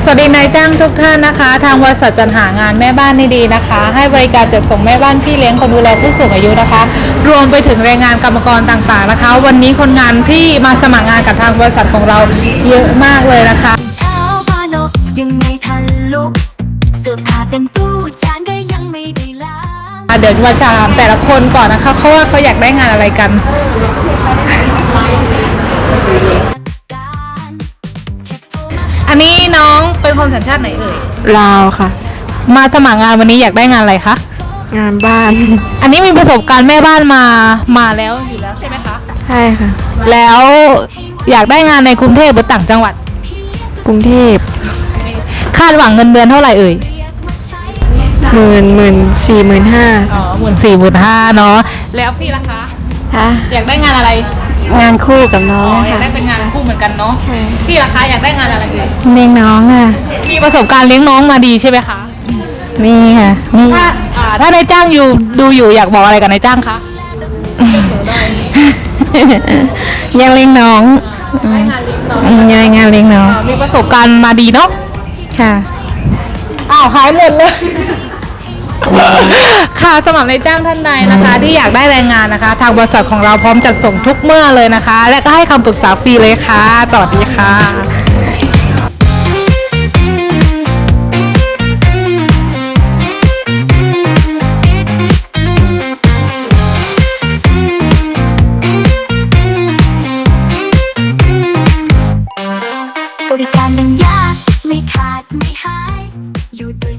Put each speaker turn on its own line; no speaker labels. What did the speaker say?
สวัสดีนายจ้างทุกท่านนะคะทางบริษัทจัดหางานแม่บ้านดีๆนะคะให้บริการจัดส่งแม่บ้านพี่เลี้ยงคนดูแลผู้สูงอายุนะคะรวมไปถึงแรงงานกรรมกรต่างๆนะคะวันนี้คนงานที่มาสมัครงานกับทางบริษัทของเราเยอะมากเลยนะคะ
เช้าพานกยังไม่ทันลุกเสื้อผ้าเต็มตู้จานก็ยังไม่ได้ล้าง
เดี๋ยวมาถามแต่ละคนก่อนนะคะเขาว่าเขาอยากได้งานอะไรกันอันนี้น้องเป็นคนสัญชาติไหนเอ่ย
ลาวค่ะ
มาสมัครงานวันนี้อยากได้งานอะไรคะ
งานบ้าน
อันนี้มีประสบการณ์แม่บ้านมาแล้วอยู่แล้วใช่ไหมคะ
ใช่ค่ะ
แล้วอยากได้งานในกรุงเทพหรือต่างจังหวัด
กรุงเทพ
คาดหวังเงินเดือนเท่าไหร่เอ่ย
14,500
อ๋อ14,500เนาะแล้วพี่ล่ะคะอยากได้งานอะไร
งานคู่กับน้อง
อยากได้เป็นงานคู่เหมือนกันเนาะ
ใช่
พี่ล่ะคะอยากได้งานอะไรเอ่ย
เลี้ยงน้องค่ะ
มีประสบการณ์เลี้ยงน้องมาดีใช่ไหมคะ
มีค่ะมี
ถ้านายจ้างดูอยู่อยากบอกอะไรกับนายจ้างคะ
ยังเลี้ยงน้องยังงานเลี้ยงน้อง
มีประสบการณ์มาดีเนาะ
ค่ะ
หายหมดเลยค่ะสำหรับนายจ้างท่านใดนะคะที่อยากได้แรงงานนะคะทางบริษัทของเราพร้อมจัดส่งทุกเมื่อเลยนะคะและก็ให้คำปรึกษาฟรีเลยค่ะสวัสดีค่ะ